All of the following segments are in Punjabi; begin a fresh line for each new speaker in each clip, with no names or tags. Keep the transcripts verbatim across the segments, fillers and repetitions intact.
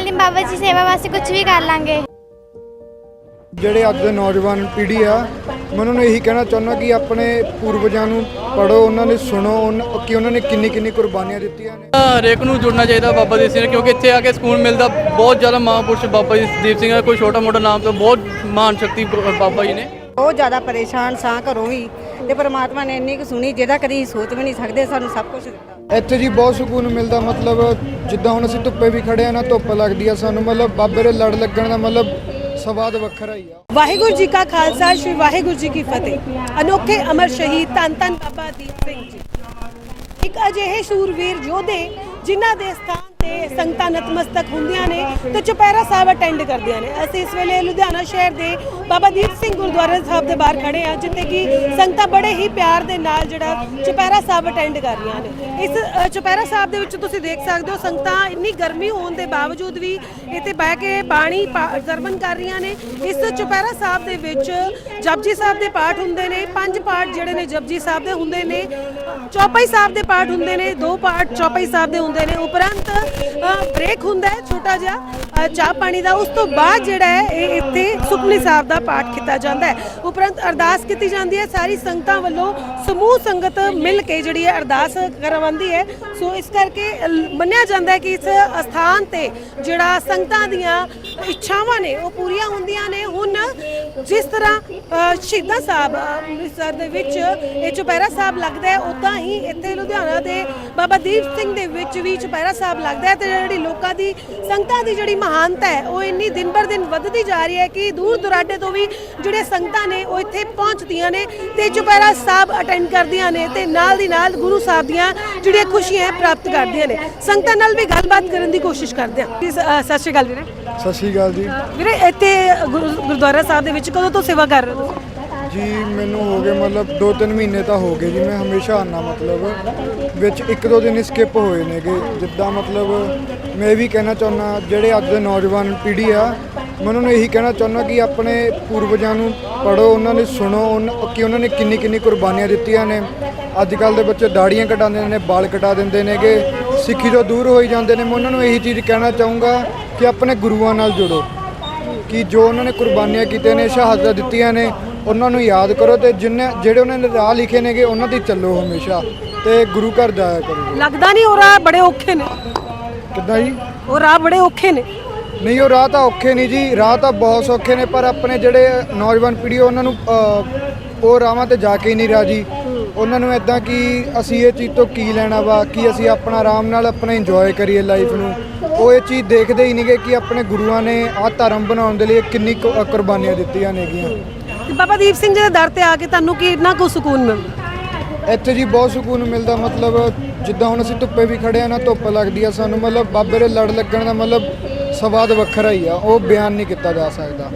ਗੱਲ ਨਹੀਂ, ਬਾਬਾ ਜੀ ਸੇਵਾ ਵਾਸਤੇ ਕੁਝ ਵੀ ਕਰ ਲਾਂਗੇ।
ਜਿਹੜੇ ਅੱਜ ਦੇ ਨੌਜਵਾਨ ਪੀੜ੍ਹੀ ਆ, ਮੈਂ ਉਹਨਾਂ ਨੂੰ ਇਹੀ ਕਹਿਣਾ ਚਾਹੁੰਦਾ ਕਿ ਆਪਣੇ ਪੂਰਵਜਾਂ ਨੂੰ ਪੜ੍ਹੋ, ਉਹਨਾਂ ਨੇ ਸੁਣੋ ਕਿ ਉਹਨਾਂ ਨੇ ਕਿੰਨੀ ਕਿੰਨੀ ਕੁਰਬਾਨੀਆਂ ਦਿੱਤੀਆਂ ਨੇ।
ਹਰੇਕ ਨੂੰ ਜੁੜਨਾ ਚਾਹੀਦਾ ਬਾਬਾ ਦੀਪ ਸਿੰਘ, ਕਿਉਂਕਿ ਇੱਥੇ ਆ ਕੇ ਸਕੂਨ ਮਿਲਦਾ। ਬਹੁਤ ਜ਼ਿਆਦਾ ਮਹਾਂਪੁਰਸ਼ ਬਾਬਾ ਜੀ ਦੀਪ ਸਿੰਘ, ਕੋਈ ਛੋਟਾ ਮੋਟਾ ਨਾਮ ਤੋਂ ਬਹੁਤ ਮਹਾਨ ਸ਼ਕਤੀ ਬਾਬਾ ਜੀ ਨੇ।
ਬਹੁਤ ਜ਼ਿਆਦਾ ਪਰੇਸ਼ਾਨ ਸਾਂ ਘਰੋਂ ਵੀ, ਤੇ ਪਰਮਾਤਮਾ ਨੇ ਇੰਨੀ ਕੁ ਸੁਣੀ ਜਿਹਦਾ ਕਦੀ ਸੋਚ ਵੀ ਨਹੀਂ ਸਕਦੇ, ਸਾਨੂੰ ਸਭ ਕੁਝ ਦਿੱਤਾ।
ਇੱਥੇ ਜੀ ਬਹੁਤ ਸਕੂਨ ਮਿਲਦਾ। ਮਤਲਬ ਜਿੱਦਾਂ ਹੁਣ ਅਸੀਂ ਧੁੱਪੇ ਵੀ ਖੜੇ ਆ ਨਾ, ਧੁੱਪ ਲੱਗਦੀ ਆ ਸਾਨੂੰ, ਮਤਲਬ ਬਾਬੇ ਦੇ ਲੜ ਲੱਗਣ ਦਾ ਮਤਲਬ ਸਵਾਦ ਵੱਖਰਾ ਹੀ ਆ।
ਵਾਹਿਗੁਰੂ ਜੀ ਕਾ ਖਾਲਸਾ, ਸ਼੍ਰੀ ਵਾਹਿਗੁਰੂ ਜੀ ਕੀ ਫਤਿਹ। ਅਨੋਖੇ ਅਮਰ ਸ਼ਹੀਦ ਧੰਨ ਧੰਨ ਬਾਬਾ ਦੀਪ ਸਿੰਘ ਜੀ ਇੱਕ ਅਜਿਹੇ ਸੂਰਵੀਰ ਯੋਧੇ ਜਿਨ੍ਹਾਂ ਦੇ ਸਥਾਨ ਤੇ ਸੰਗਤਾਂ ਨਤਮਸਤਕ ਹੁੰਦੀਆਂ ਨੇ ਤੇ ਚੁਪਹਿਰਾ ਸਾਹਿਬ ਅਟੈਂਡ ਕਰਦੀਆਂ ਨੇ। ਅਸੀਂ ਇਸ ਵੇਲੇ ਲੁਧਿਆਣਾ ਸ਼ਹਿਰ ਦੇ ਬਾਬਾ ਦੀਪ ਸਿੰਘ ਗੁਰਦੁਆਰਾ ਸਾਹਿਬ ਦੇ ਬਾਹਰ ਖੜੇ ਆ, ਜਿੱਥੇ ਕਿ ਸੰਗਤਾਂ ਬੜੇ ਹੀ ਪਿਆਰ ਦੇ ਨਾਲ ਜਿਹੜਾ ਚੁਪਹਿਰਾ ਸਾਹਿਬ ਅਟੈਂਡ ਕਰ ਰਹੀਆਂ ਨੇ। ਇਸ ਚੁਪਹਿਰਾ ਸਾਹਿਬ ਦੇ ਵਿੱਚ ਤੁਸੀਂ ਦੇਖ ਸਕਦੇ ਹੋ, ਸੰਗਤਾਂ ਇੰਨੀ ਗਰਮੀ ਹੋਣ ਦੇ ਬਾਵਜੂਦ ਵੀ ਇੱਥੇ ਬਹਿ ਕੇ ਬਾਣੀ ਸਰਵਣ ਕਰ ਰਹੀਆਂ ਨੇ। ਇਸ ਚੁਪਹਿਰਾ ਸਾਹਿਬ ਦੇ ਵਿੱਚ ਜਪਜੀ ਸਾਹਿਬ ਦੇ ਪਾਠ ਹੁੰਦੇ ਨੇ, ਪੰਜ ਪਾਠ ਜਿਹੜੇ ਨੇ ਜਪਜੀ ਸਾਹਿਬ ਦੇ ਹੁੰਦੇ ਨੇ, ਚੌਪਈ ਸਾਹਿਬ ਦੇ ਪਾਠ ਹੁੰਦੇ ਨੇ, ਦੋ ਪਾਠ ਚੌਪਈ ਸਾਹਿਬ ਦੇ ਹੁੰਦੇ ਨੇ। ਉਪਰੰਤ ਬ੍ਰੇਕ ਹੁੰਦਾ ਹੈ ਛੋਟਾ ਜਿਹਾ ਚਾਹ ਪਾਣੀ ਦਾ। ਉਸ ਤੋਂ ਬਾਅਦ ਜਿਹੜਾ ਹੈ ਇਹ ਇੱਥੇ ਸੁਖਮਨੀ ਸਾਹਿਬ ਦਾ ਪਾਠ ਕੀਤਾ ਜਾਂਦਾ ਹੈ। ਉਪਰੰਤ ਅਰਦਾਸ ਕੀਤੀ ਜਾਂਦੀ ਹੈ। ਸਾਰੀ ਸੰਗਤਾਂ ਵੱਲੋਂ ਸਮੂਹ ਸੰਗਤ ਮਿਲ ਕੇ ਜਿਹੜੀ ਹੈ ਅਰਦਾਸ ਕਰਵਾਉਂਦੀ ਹੈ। ਸੋ ਇਸ ਕਰਕੇ ਮੰਨਿਆ ਜਾਂਦਾ ਹੈ ਕਿ ਇਸ ਅਸਥਾਨ ਤੇ ਜਿਹੜਾ ਸੰਗਤਾਂ ਦੀਆਂ ਇੱਛਾਵਾਂ ਨੇ ਉਹ ਪੂਰੀਆਂ ਹੁੰਦੀਆਂ ਨੇ। ਹੁਣ ਜਿਸ ਤਰ੍ਹਾਂ ਸ਼ਹੀਦਾਂ ਸਾਹਿਬ ਅੰਮ੍ਰਿਤਸਰ ਦੇ ਵਿੱਚ ਇਹ ਚੁਪਹਿਰਾ ਸਾਹਿਬ ਲੱਗਦਾ ਹੈ, ਉੱਦਾਂ ਹੀ ਇੱਥੇ ਲੁਧਿਆਣਾ ਦੇ ਬਾਬਾ ਦੀਪ ਸਿੰਘ ਦੇ ਵਿੱਚ ਵੀ ਚੁਪਹਿਰਾ ਸਾਹਿਬ ਲੱਗਦਾ ਹੈ। ਤੇ ਜਿਹੜੀ ਲੋਕਾਂ ਦੀ ਸੰਗਤਾਂ ਦੀ ਜਿਹੜੀ ਮਹਾਨਤਾ ਹੈ ਉਹ ਇੰਨੀ ਦਿਨ ਬਰ ਦਿਨ ਵੱਧਦੀ ਜਾ ਰਹੀ ਹੈ ਕਿ ਦੂਰ ਦੁਰਾਡੇ ਤੋਂ ਵੀ ਜਿਹੜੇ ਸੰਗਤਾਂ ਨੇ ਉਹ ਇੱਥੇ ਪਹੁੰਚਦੀਆਂ ਨੇ ਤੇ ਚੁਪਹਿਰਾ ਸਾਹਿਬ ਅਟੈਂਡ ਕਰਦੀਆਂ ਨੇ ਤੇ ਨਾਲ ਦੀ ਨਾਲ ਗੁਰੂ ਸਾਹਿਬ ਦੀਆਂ ਜਿਹੜੀਆਂ ਖੁਸ਼ੀਆਂ ਪ੍ਰਾਪਤ ਕਰਦੀਆਂ ਨੇ। ਸੰਗਤਾਂ ਨਾਲ ਵੀ ਗੱਲਬਾਤ ਕਰਨ ਦੀ ਕੋਸ਼ਿਸ਼ ਕਰਦੇ ਹਾਂ। ਸਤਿ ਸ਼੍ਰੀ ਅਕਾਲ ਵੀਰੇ।
ਸਤਿ ਸ਼੍ਰੀ ਅਕਾਲ ਜੀ।
ਵੀਰੇ ਇੱਥੇ ਗੁਰਦੁਆਰਾ ਸਾਹਿਬ ਦੇ ਵਿੱਚ ਕਦੋਂ ਤੋਂ ਸੇਵਾ ਕਰ ਰਹੇ ਹੋ?
ਜੀ ਮੈਨੂੰ ਹੋ ਗਏ ਮਤਲਬ ਦੋ ਤਿੰਨ ਮਹੀਨੇ ਤਾਂ ਹੋ ਗਏ ਜੀ। ਮੈਂ ਹਮੇਸ਼ਾ ਆਉਂਦਾ, ਮਤਲਬ ਵਿੱਚ ਇੱਕ ਦੋ ਦਿਨ ਸਕਿਪ ਹੋਏ ਨੇਗੇ। ਜਿੱਦਾਂ ਮਤਲਬ ਮੈਂ ਇਹ ਵੀ ਕਹਿਣਾ ਚਾਹੁੰਦਾ, ਜਿਹੜੇ ਅੱਜ ਦੇ ਨੌਜਵਾਨ ਪੀੜ੍ਹੀ ਆ, ਮੈਂ ਉਹਨਾਂ ਨੂੰ ਇਹੀ ਕਹਿਣਾ ਚਾਹੁੰਦਾ ਕਿ ਆਪਣੇ ਪੂਰਵਜਾਂ ਨੂੰ ਪੜ੍ਹੋ, ਉਹਨਾਂ ਨੇ ਸੁਣੋ ਕਿ ਉਹਨਾਂ ਨੇ ਕਿੰਨੀ ਕਿੰਨੀ ਕੁਰਬਾਨੀਆਂ ਦਿੱਤੀਆਂ ਨੇ। ਅੱਜ ਕੱਲ੍ਹ ਦੇ ਬੱਚੇ ਦਾੜੀਆਂ ਕਟਾਉਂਦੇ ਨੇ, ਵਾਲ ਕਟਾ ਦਿੰਦੇ ਨੇਗੇ, ਸਿੱਖੀ ਤੋਂ ਦੂਰ ਹੋਈ ਜਾਂਦੇ ਨੇ। ਮੈਂ ਉਹਨਾਂ ਨੂੰ ਇਹੀ ਚੀਜ਼ ਕਹਿਣਾ ਚਾਹੂੰਗਾ ਕਿ ਆਪਣੇ ਗੁਰੂਆਂ ਨਾਲ ਜੁੜੋ, ਕਿ ਜੋ ਉਹਨਾਂ ਨੇ ਕੁਰਬਾਨੀਆਂ ਕੀਤੀਆਂ ਨੇ, ਸ਼ਹਾਦਤਾਂ ਦਿੱਤੀਆਂ ਨੇ, ਉਹਨਾਂ ਨੂੰ ਯਾਦ ਕਰੋ ਤੇ ਜਿੰਨੇ ਜਿਹੜੇ ਉਹਨਾਂ ਨੇ ਰਾਹ ਲਿਖੇ ਨੇਗੇ ਉਹਨਾਂ ਤੇ ਚੱਲੋ ਹਮੇਸ਼ਾ, ਤੇ ਗੁਰੂ ਘਰ ਜਾਇਆ ਕਰੋ।
ਲੱਗਦਾ ਨਹੀਂ ਉਹ ਰਾਹ ਬੜੇ ਔਖੇ ਨੇ?
ਕਿੱਦਾਂ ਜੀ?
ਉਹ ਰਾਹ ਬੜੇ ਔਖੇ ਨੇ?
ਨਹੀਂ, ਉਹ ਰਾਹ ਤਾਂ ਔਖੇ ਨਹੀਂ ਜੀ, ਰਾਹ ਤਾਂ ਬਹੁਤ ਸੌਖੇ ਨੇ, ਪਰ ਆਪਣੇ ਜਿਹੜੇ ਨੌਜਵਾਨ ਪੀੜ੍ਹੀ ਉਹਨਾਂ ਨੂੰ ਉਹ ਰਾਹਾਂ ਤੇ ਜਾ ਕੇ ਹੀ ਨਹੀਂ ਰਾਜੀ। ਉਹਨਾਂ ਨੂੰ ਇੱਦਾਂ ਕਿ ਅਸੀਂ ਇਹ ਚੀਜ਼ ਤੋਂ ਕੀ ਲੈਣਾ ਵਾ, ਕਿ ਅਸੀਂ ਆਪਣਾ ਆਰਾਮ ਨਾਲ ਆਪਣਾ ਇੰਜੋਏ ਕਰੀਏ ਲਾਈਫ ਨੂੰ। ਉਹ ਇਹ ਚੀਜ਼ ਦੇਖਦੇ ਹੀ ਨਹੀਂਗੇ ਕਿ ਆਪਣੇ ਗੁਰੂਆਂ ਨੇ ਆਹ ਧਰਮ ਬਣਾਉਣ ਦੇ ਲਈ ਕਿੰਨੀ ਕੁਰਬਾਨੀਆਂ ਦਿੱਤੀਆਂ ਨੇਗੀਆਂ।
ਬਾਬਾ ਦੀਪ ਸਿੰਘ ਜੀ ਦੇ ਦਰ ਤੇ ਆ ਕੇ ਤੁਹਾਨੂੰ ਕਿੰਨਾ ਕੁ ਸਕੂਨ ਮਿਲਦਾ?
ਇੱਥੇ ਜੀ ਬਹੁਤ ਸਕੂਨ ਮਿਲਦਾ। ਮਤਲਬ ਜਿੱਦਾਂ ਹੁਣ ਅਸੀਂ ਧੁੱਪੇ ਵੀ ਖੜੇ ਆ ਨਾ, ਧੁੱਪ ਲੱਗਦੀ ਆ ਸਾਨੂੰ, ਮਤਲਬ ਬਾਬੇ ਦੇ ਲੜ ਲੱਗਣ ਦਾ ਮਤਲਬ ਸਵਾਦ ਵੱਖਰਾ ਹੀ ਆ, ਉਹ ਬਿਆਨ ਨਹੀਂ ਕੀਤਾ ਜਾ ਸਕਦਾ।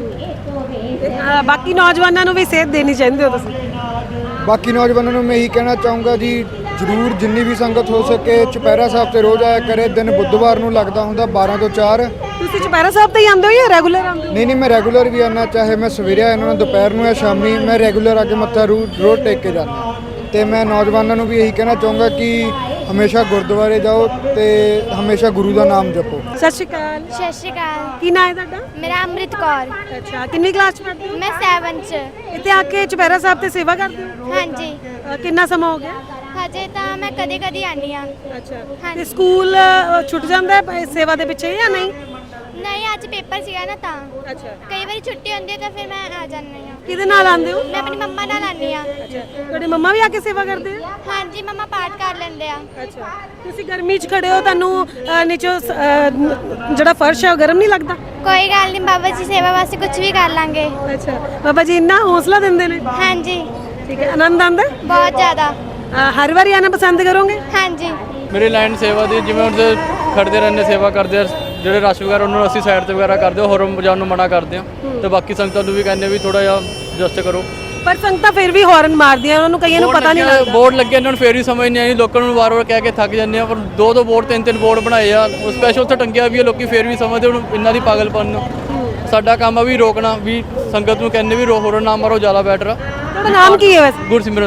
ਬਾਕੀ ਨੌਜਵਾਨਾਂ ਨੂੰ ਵੀ ਸੇਧ ਦੇਣੀ ਚਾਹੀਦੀ ਹੋ ਤੁਸੀਂ?
ਬਾਕੀ ਨੌਜਵਾਨਾਂ ਨੂੰ ਮੈਂ ਇਹੀ ਕਹਿਣਾ ਚਾਹੂੰਗਾ ਜੀ, ਜ਼ਰੂਰ ਜਿੰਨੀ ਵੀ ਸੰਗਤ ਹੋ ਸਕੇ ਚੁਪਹਿਰਾ ਸਾਹਿਬ ਤੇ ਰੋਜ਼ ਆਇਆ ਕਰੇ। ਦਿਨ ਬੁੱਧਵਾਰ ਨੂੰ ਲੱਗਦਾ ਹੁੰਦਾ ਬਾਰਾਂ ਤੋਂ ਚਾਰ।
ਤੁਸੀਂ ਚੁਪਹਿਰਾ ਸਾਹਿਬ ਤੇ ਹੀ ਆਉਂਦੇ ਹੋ ਜਾਂ ਰੈਗੂਲਰ ਆਉਂਦੇ ਹੋ?
ਨਹੀਂ ਨਹੀਂ, ਮੈਂ ਰੈਗੂਲਰ ਵੀ ਆਉਣਾ, ਚਾਹੇ ਮੈਂ ਸਵੇਰੇ ਆਇਆ ਨਾ, ਦੁਪਹਿਰ ਨੂੰ ਜਾਂ ਸ਼ਾਮੀ, ਮੈਂ ਰੈਗੂਲਰ ਆ ਕੇ ਮੱਥਾ ਰੋਜ਼ ਟੇਕ ਕੇ ਜਾਂਦਾ। ਤੇ ਮੈਂ ਨੌਜਵਾਨਾਂ ਨੂੰ ਵੀ ਇਹੀ ਕਹਿਣਾ ਚਾਹੂੰਗਾ ਕਿ ਹਮੇਸ਼ਾ ਗੁਰਦੁਆਰੇ ਜਾਓ ਤੇ ਹਮੇਸ਼ਾ ਗੁਰੂ ਦਾ ਨਾਮ ਜਪੋ।
ਸਤਿ ਸ਼੍ਰੀ ਅਕਾਲ।
ਸਤਿ ਸ਼੍ਰੀ ਅਕਾਲ।
ਕੀ ਨਾਮ ਹੈ ਤੁਹਾਡਾ?
ਮੇਰਾ ਅੰਮ੍ਰਿਤ ਕੌਰ।
ਅੱਛਾ, ਕਿੰਨੀ ਕਲਾਸ ਚ ਪੜ੍ਹਦੇ ਹੋ?
ਮੈਂ ਸੈਵਨ ਚ।
ਇੱਥੇ ਆ ਕੇ ਚੁਪਹਿਰਾ ਸਾਹਿਬ ਤੇ ਸੇਵਾ ਕਰਦੇ ਹੋ?
ਹਾਂਜੀ।
ਅ, ਕਿੰਨਾ ਸਮਾਂ ਹੋ ਗਿਆ?
ਹਜੇ ਤਾਂ ਮੈਂ ਕਦੇ ਕਦੇ ਆਨੀ ਆ।
ਅੱਛਾ, ਤੇ ਸਕੂਲ ਅ, ਛੁੱਟ ਜਾਂਦਾ ਹੈ ਸੇਵਾ ਦੇ ਪਿੱਛੇ ਜਾਂ ਨਹੀਂ?
ਨਹੀਂ, ਅੱਜ ਪੇਪਰ ਸੀਗਾ ਨਾ ਤਾਂ।
ਅੱਛਾ,
ਕਈ ਵਾਰੀ ਛੁੱਟੀ ਹੁੰਦੀ ਹੈ ਤਾਂ ਫਿਰ ਮੈਂ ਆ ਜਾਂਦੀ ਆ।
ਕਿਹਦੇ ਨਾਲ ਆਉਂਦੇ ਹੋ?
ਮੈਂ ਆਪਣੀ ਮੰਮਾ ਨਾਲ ਆਨੀ ਆ।
ਅੱਛਾ, ਤੁਹਾਡੇ ਮੰਮਾ ਵੀ ਆ ਕੇ ਸੇਵਾ ਕਰਦੇ ਆ?
ਹਾਂਜੀ, ਮੰਮਾ ਪਾਠ ਕਰ ਲੈਂਦੇ ਆ।
ਅੱਛਾ, ਤੁਸੀਂ ਗਰਮੀ 'ਚ ਖੜੇ ਹੋ, ਤੁਹਾਨੂੰ ਅ, ਨੀਚੋਂ ਅ, ਜਿਹੜਾ ਫਰਸ਼ ਹੈ ਉਹ ਗਰਮ ਨਹੀਂ ਲੱਗਦਾ?
ਕੋਈ ਗੱਲ ਨਹੀਂ, ਬਾਬਾ ਜੀ ਸੇਵਾ ਵਾਸਤੇ ਕੁਝ ਵੀ ਕਰ ਲਾਂਗੇ।
ਅੱਛਾ, ਬਾਬਾ ਜੀ ਇੰਨਾ ਹੌਸਲਾ ਦਿੰਦੇ ਨੇ?
ਹਾਂਜੀ।
ਠੀਕ ਹੈ, ਆਨੰਦ ਆਉਂਦਾ?
ਬਹੁਤ ਜ਼ਿਆਦਾ।
ਅ, ਹਰ ਵਾਰੀ ਆਣਾ ਪਸੰਦ ਕਰੋਗੇ?
ਹਾਂਜੀ।
ਮੇਰੀ ਲਾਈਨ ਸੇਵਾ ਦੀ, ਜਿਵੇਂ ਹੁਣ ਖੜਦੇ ਰਹਿੰਦੇ ਸੇਵਾ ਕਰਦੇ ਆ, ਜਿਹੜੇ ਰਸ਼ ਵਗੈਰਾ ਉਹਨਾਂ ਨੂੰ ਅਸੀਂ ਸਾਈਡ ਤੇ ਵਗੈਰਾ ਕਰਦੇ ਹਾਂ, ਹੋਰ ਵਜਾਉਣ ਨੂੰ ਮਨਾ ਕਰਦੇ ਹਾਂ। ਤੇ ਬਾਕੀ ਸੰਗਤਾਂ ਨੂੰ ਵੀ ਕਹਿੰਦੇ ਵੀ ਥੋੜਾ ਜਿਹਾ ਐਡਜਸਟ ਕਰੋ।
ਪਰ ਸੰਗਤਾਂ ਫਿਰ ਵੀ ਹਾਰਨ ਮਾਰਦੀਆਂ, ਉਹਨਾਂ ਨੂੰ ਕਈਆਂ ਨੂੰ ਪਤਾ ਨਹੀਂ ਲੱਗਦਾ।
ਬੋਰਡ ਲੱਗੇ ਇਹਨਾਂ ਨੂੰ ਫੇਰ ਵੀ ਸਮਝ ਨਹੀਂ ਆਈ, ਲੋਕਾਂ ਨੂੰ ਵਾਰ-ਵਾਰ ਕਹਿ ਕੇ ਥੱਕ ਜਾਂਦੇ ਆ। ਪਰ ਦੋ ਦੋ ਬੋਰਡ ਤਿੰਨ ਤਿੰਨ ਬੋਰਡ ਬਣਾਏ ਆ, ਉਹ ਸਪੈਸ਼ਲ ਉੱਥੇ ਟੰਗਿਆ ਵੀ ਆ, ਲੋਕੀ ਫੇਰ ਵੀ ਸਮਝਦੇ ਹੁਣ ਇਹਨਾਂ ਦੀ ਪਾਗਲਪਨ ਨੂੰ। ਸਾਡਾ ਕੰਮ ਆ ਵੀ ਰੋਕਣਾ, ਵੀ ਸੰਗਤ ਨੂੰ ਕਹਿੰਦੇ ਵੀ ਰੋ ਹੋਰ ਨਾ ਮਾਰੋ, ਜ਼ਿਆਦਾ ਬੈਟਰ ਆ।
ਤੁਹਾਡਾ ਨਾਮ ਕੀ ਹੈ ਵੈਸੇ?
ਗੁਰਸਿਮਰਨ ਸਿੰਘ।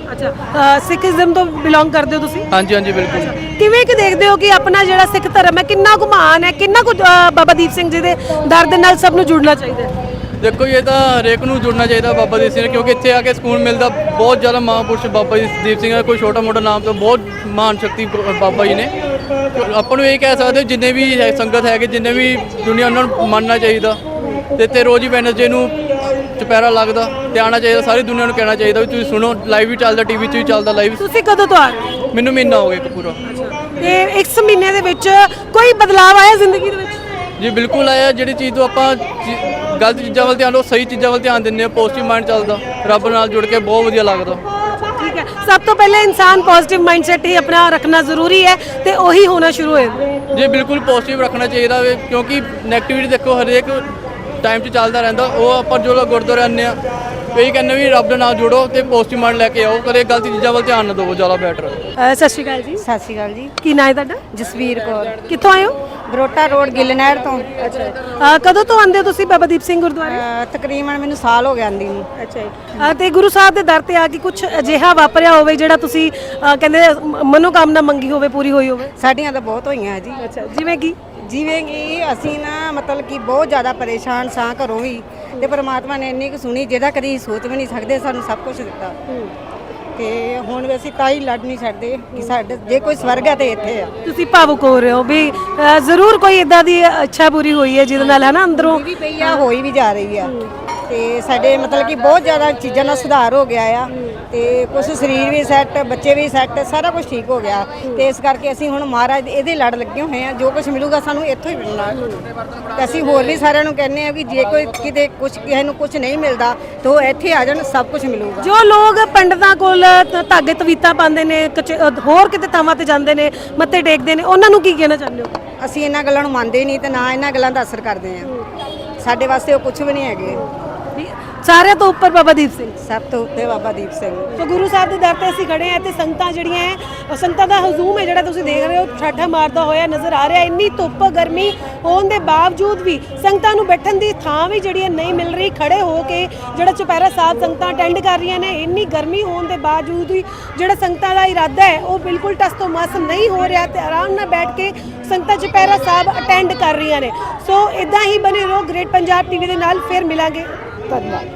ਅੱਛਾ ਸਿੱਖੀਜ਼ਮ ਤੋਂ ਬਿਲੋਂਗ ਕਰਦੇ ਹੋ ਤੁਸੀਂ?
ਹਾਂਜੀ ਹਾਂਜੀ ਬਿਲਕੁਲ।
ਕਿਵੇਂ ਕਿ ਦੇਖਦੇ ਹੋ ਕਿ ਆਪਣਾ ਜਿਹੜਾ ਸਿੱਖ ਧਰਮ ਹੈ ਕਿੰਨਾ ਕੁ ਮਹਾਨ ਹੈ, ਕਿੰਨਾ ਕੁ ਅ, ਬਾਬਾ ਦੀਪ ਸਿੰਘ ਜੀ ਦੇ ਦਰ ਦੇ ਨਾਲ ਸਭ ਨੂੰ ਜੁੜਨਾ ਚਾਹੀਦਾ ਹੈ?
ਦੇਖੋ ਇਹ ਤਾਂ ਹਰੇਕ ਨੂੰ ਜੁੜਨਾ ਚਾਹੀਦਾ ਬਾਬਾ ਦੀਪ ਸਿੰਘ ਨਾਲ, ਕਿਉਂਕਿ ਇੱਥੇ ਆ ਕੇ ਸਕੂਨ ਮਿਲਦਾ। ਬਹੁਤ ਜ਼ਿਆਦਾ ਮਹਾਂਪੁਰਸ਼ ਬਾਬਾ ਜੀ ਦੀਪ ਸਿੰਘ ਹੈ, ਕੋਈ ਛੋਟਾ ਮੋਟਾ ਨਾਮ ਤੋਂ ਬਹੁਤ ਮਹਾਨ ਸ਼ਕਤੀ ਬਾਬਾ ਜੀ ਨੇ। ਆਪਾਂ ਨੂੰ ਇਹ ਕਹਿ ਸਕਦੇ ਹੋ ਜਿੰਨੇ ਵੀ ਹੈ ਸੰਗਤ ਹੈਗੇ, ਜਿੰਨੇ ਵੀ ਦੁਨੀਆ, ਉਹਨਾਂ ਨੂੰ ਮੰਨਣਾ ਚਾਹੀਦਾ। ਤੇ ਇੱਥੇ ਰੋਜ਼ ਹੀ ਵੈਨਸਡੇ ਨੂੰ ਚੁਪਹਿਰਾ ਲੱਗਦਾ ਤੇ ਆਉਣਾ ਚਾਹੀਦਾ। ਸਾਰੀ ਦੁਨੀਆ ਨੂੰ ਕਹਿਣਾ ਚਾਹੀਦਾ ਵੀ ਤੁਸੀਂ ਸੁਣੋ, ਲਾਈਵ ਵੀ ਚੱਲਦਾ, ਟੀਵੀ 'ਚ ਵੀ ਚੱਲਦਾ ਲਾਈਵ।
ਤੁਸੀਂ ਕਦੋਂ ਤੋਂ ਆ ਰਹੇ ਹੋ?
ਮੈਨੂੰ ਮਹੀਨਾ ਹੋ ਗਿਆ ਇੱਕ ਪੂਰਾ।
ਤੇ ਇਸ ਮਹੀਨੇ ਦੇ ਵਿੱਚ ਕੋਈ ਬਦਲਾਅ ਆਇਆ ਜ਼ਿੰਦਗੀ ਦੇ ਵਿੱਚ?
ਜੀ ਬਿਲਕੁਲ ਆਇਆ। ਜਿਹੜੀ ਚੀਜ਼ ਤੋਂ ਆਪਾਂ ਚੀ- ਗਲਤ ਚੀਜ਼ਾਂ ਵੱਲ ਧਿਆਨ ਦਿਓ, ਸਹੀ ਚੀਜ਼ਾਂ ਵੱਲ ਧਿਆਨ ਦਿੰਦੇ ਹਾਂ, ਪੋਜ਼ਿਟਿਵ ਮਾਈਂਡ ਚੱਲਦਾ, ਰੱਬ ਨਾਲ ਜੁੜ ਕੇ ਬਹੁਤ ਵਧੀਆ ਲੱਗਦਾ।
ਠੀਕ ਹੈ, ਸਭ ਤੋਂ ਪਹਿਲੇ ਇਨਸਾਨ ਪੋਜ਼ਿਟਿਵ ਮਾਈਂਡਸੈਟ ਹੀ ਆਪਣਾ ਰੱਖਣਾ ਜ਼ਰੂਰੀ ਹੈ ਤੇ ਉਹੀ ਹੋਣਾ ਸ਼ੁਰੂ ਹੋਏ।
ਜੀ ਬਿਲਕੁਲ ਪੋਜ਼ਿਟਿਵ ਰੱਖਣਾ ਚਾਹੀਦਾ ਵੇ, ਕਿਉਂਕਿ ਨੈਗੇਟਿਵਿਟੀ ਦੇਖੋ ਹਰੇਕ ਟਾਈਮ 'ਚ ਚੱਲਦਾ ਰਹਿੰਦਾ। ਉਹ ਆਪਾਂ ਜੋ ਗੁਰਦੁਆਰੇ ਆਉਂਦੇ ਹਾਂ ਇਹੀ ਕਹਿੰਦੇ ਵੀ ਰੱਬ ਦੇ ਨਾਲ ਜੁੜੋ ਤੇ ਪੋਜ਼ਿਟਿਵ ਮਾਈਂਡ ਲੈ ਕੇ ਆਓ, ਕਦੇ ਗਲਤ ਚੀਜ਼ਾਂ ਵੱਲ ਧਿਆਨ ਨਾ ਦਿਓ, ਜ਼ਿਆਦਾ ਬੈਟਰ।
ਅ, ਸਤਿ ਸ਼੍ਰੀ ਅਕਾਲ ਜੀ।
ਸਤਿ ਸ਼੍ਰੀ ਅਕਾਲ ਜੀ।
ਕੀ ਨਾਂ ਹੈ ਤੁਹਾਡਾ?
ਜਸਵੀਰ ਕੌਰ,
ਕਿੱਥੋਂ ਆਏ ਹੋ?
ਬਰੋਟਾ ਰੋਡ ਗਿੱਲਨਹਿਰ ਤੋਂ।
ਅ, ਕਦੋਂ ਤੋਂ ਆਉਂਦੇ ਹੋ ਤੁਸੀਂ ਬਾਬਾ ਦੀਪ ਸਿੰਘ ਗੁਰਦੁਆਰੇ?
ਅਹ ਤਕਰੀਬਨ ਮੈਨੂੰ ਸਾਲ ਹੋ ਗਿਆ ਆਂਦੀ ਨੂੰ।
ਅੱਛਾ ਜੀ। ਤੇ ਗੁਰੂ ਸਾਹਿਬ ਦੇ ਦਰ ਤੇ ਆ ਕੇ ਕੁਝ ਅਜਿਹਾ ਵਾਪਰਿਆ ਹੋਵੇ ਜਿਹੜਾ ਤੁਸੀਂ ਅ, ਕਹਿੰਦੇ ਮ- ਮਨੋਕਾਮਨਾ ਮੰਗੀ ਹੋਵੇ, ਪੂਰੀ ਹੋਈ ਹੋਵੇ?
ਸਾਡੀਆਂ ਤਾਂ ਬਹੁਤ ਹੋਈਆਂ ਜੀ।
ਅੱਛਾ, ਜਿਵੇਂ ਕਿ?
ਜਿਵੇਂ ਕਿ ਅਸੀਂ ਨਾ ਮਤਲਬ ਕਿ ਬਹੁਤ ਜ਼ਿਆਦਾ ਪਰੇਸ਼ਾਨ ਸਾਂ ਘਰੋਂ ਵੀ, ਤੇ ਪਰਮਾਤਮਾ ਨੇ ਇੰਨੀ ਕੁ ਸੁਣੀ ਜਿਹਦਾ ਕਦੀ ਸੋਚ ਵੀ ਨਹੀਂ ਸਕਦੇ, ਸਾਨੂੰ ਸਭ ਕੁਝ ਦਿੱਤਾ। ਤੇ ਹੁਣ ਵੀ ਅਸੀਂ ਤਾਂ ਹੀ ਲੜ ਨਹੀਂ ਛੱਡਦੇ ਕਿ ਸਾਡੇ ਜੇ ਕੋਈ ਸਵਰਗ ਹੈ ਤੇ ਇੱਥੇ ਆ।
ਤੁਸੀਂ ਭਾਵੁਕ ਹੋ ਰਹੇ ਹੋ ਵੀ ਅ, ਜ਼ਰੂਰ ਕੋਈ ਇਦਾਂ ਦੀ ਇੱਛਾ ਪੂਰੀ ਹੋਈ ਹੈ ਜਿਹਦੇ ਨਾਲ ਹੈ ਨਾ ਅੰਦਰੋਂ
ਵੀ ਪਈ ਆ, ਹੋਈ ਵੀ ਜਾ ਰਹੀ ਆ। ਤੇ ਸਾਡੇ ਮਤਲਬ ਕਿ ਬਹੁਤ ਜ਼ਿਆਦਾ ਚੀਜ਼ਾਂ ਦਾ ਸੁਧਾਰ ਹੋ ਗਿਆ ਆ, ਤੇ ਕੁਝ ਸਰੀਰ ਵੀ ਸੈੱਟ, ਬੱਚੇ ਵੀ ਸੈੱਟ, ਸਾਰਾ ਕੁਝ ਠੀਕ ਹੋ ਗਿਆ। ਤੇ ਇਸ ਕਰਕੇ ਅਸੀਂ ਹੁਣ ਮਹਾਰਾਜ ਇਹਦੇ ਲੜ ਲੱਗੇ ਹੋਏ ਆ, ਜੋ ਕੁਝ ਮਿਲੂਗਾ ਸਾਨੂੰ ਇੱਥੋਂ ਹੀ ਮਿਲਣਾ। ਤੇ ਅਸੀਂ ਹੋਰ ਵੀ ਸਾਰਿਆਂ ਨੂੰ ਕਹਿੰਦੇ ਆ ਵੀ ਜੇ ਕੋਈ ਕਿਤੇ ਕੁਝ ਕਿਸੇ ਨੂੰ ਕੁਝ ਨਹੀਂ ਮਿਲਦਾ ਤਾਂ ਉਹ ਇੱਥੇ ਆ ਜਾਣ, ਸਭ ਕੁਝ ਮਿਲੂਗਾ।
ਜੋ ਲੋਕ ਪੰਡਤਾਂ ਕੋਲ ਧ- ਧਾਗੇ ਤਵੀਤਾਂ ਪਾਉਂਦੇ ਨੇ, ਕਚ- ਅ, ਹੋਰ ਕਿਤੇ ਥਾਵਾਂ ਤੇ ਜਾਂਦੇ ਨੇ, ਮੱਥੇ ਟੇਕਦੇ ਨੇ, ਉਹਨਾਂ ਨੂੰ ਕੀ ਕਹਿਣਾ ਚਾਹੁੰਦੇ ਹੋ?
ਅਸੀਂ ਇਹਨਾਂ ਗੱਲਾਂ ਨੂੰ ਮੰਨਦੇ ਨਹੀਂ ਤੇ ਨਾ ਇਹਨਾਂ ਗੱਲਾਂ ਦਾ ਅਸਰ ਕਰਦੇ ਆ। ਸਾਡੇ ਵਾਸਤੇ ਉਹ ਕੁਝ ਵੀ ਨਹੀਂ ਹੈਗੇ।
ਵੀ ਸਾਰਿਆਂ ਤੋਂ ਉੱਪਰ ਬਾਬਾ ਦੀਪ ਸਿੰਘ।
ਸਭ ਤੋਂ ਉੱਤੇ ਬਾਬਾ ਦੀਪ ਸਿੰਘ।
ਸੋ ਗੁਰੂ ਸਾਹਿਬ ਦੇ ਦਰ ਤੇ ਅਸੀਂ ਖੜੇ ਆ ਤੇ ਸੰਗਤਾਂ ਜਿਹੜੀਆਂ ਹੈ, ਉਹ ਸੰਗਤਾਂ ਦਾ ਹਜ਼ੂਮ ਹੈ ਜਿਹੜਾ ਤੁਸੀਂ ਦੇਖ ਰਹੇ ਹੋ, ਠਾਠਾ ਮਾਰਦਾ ਹੋਇਆ ਨਜ਼ਰ ਆ ਰਿਹਾ। ਇੰਨੀ ਧੁੱਪ ਗਰਮੀ ਹੋਣ ਦੇ ਬਾਵਜੂਦ ਵੀ ਸੰਗਤਾਂ ਨੂੰ ਬੈਠਣ ਦੀ ਥਾਂ ਵੀ ਜਿਹੜੀ ਹੈ ਨਹੀਂ ਮਿਲ ਰਹੀ। ਖੜੇ ਹੋ ਕੇ ਜਿਹੜਾ ਚੁਪਹਿਰਾ ਸਾਹਿਬ ਸੰਗਤਾਂ ਅਟੈਂਡ ਕਰ ਰਹੀਆਂ ਨੇ, ਇੰਨੀ ਗਰਮੀ ਹੋਣ ਦੇ ਬਾਵਜੂਦ ਵੀ ਜਿਹੜਾ ਸੰਗਤਾਂ ਦਾ ਇਰਾਦਾ ਹੈ ਉਹ ਬਿਲਕੁਲ ਟਸ ਤੋਂ ਮਸ ਨਹੀਂ ਹੋ ਰਿਹਾ ਤੇ ਆਰਾਮ ਨਾਲ ਬੈਠ ਕੇ ਸੰਗਤਾਂ ਚੁਪਹਿਰਾ ਸਾਹਿਬ ਅਟੈਂਡ ਕਰ ਰਹੀਆਂ ਨੇ। ਸੋ ਇਦਾਂ ਹੀ ਬਣੇ ਰਹੋ ਗ੍ਰੇਟ ਪੰਜਾਬ ਟੀਵੀ ਦੇ ਨਾਲ, ਫਿਰ ਮਿਲਾਂਗੇ। ਧੰਨਵਾਦ।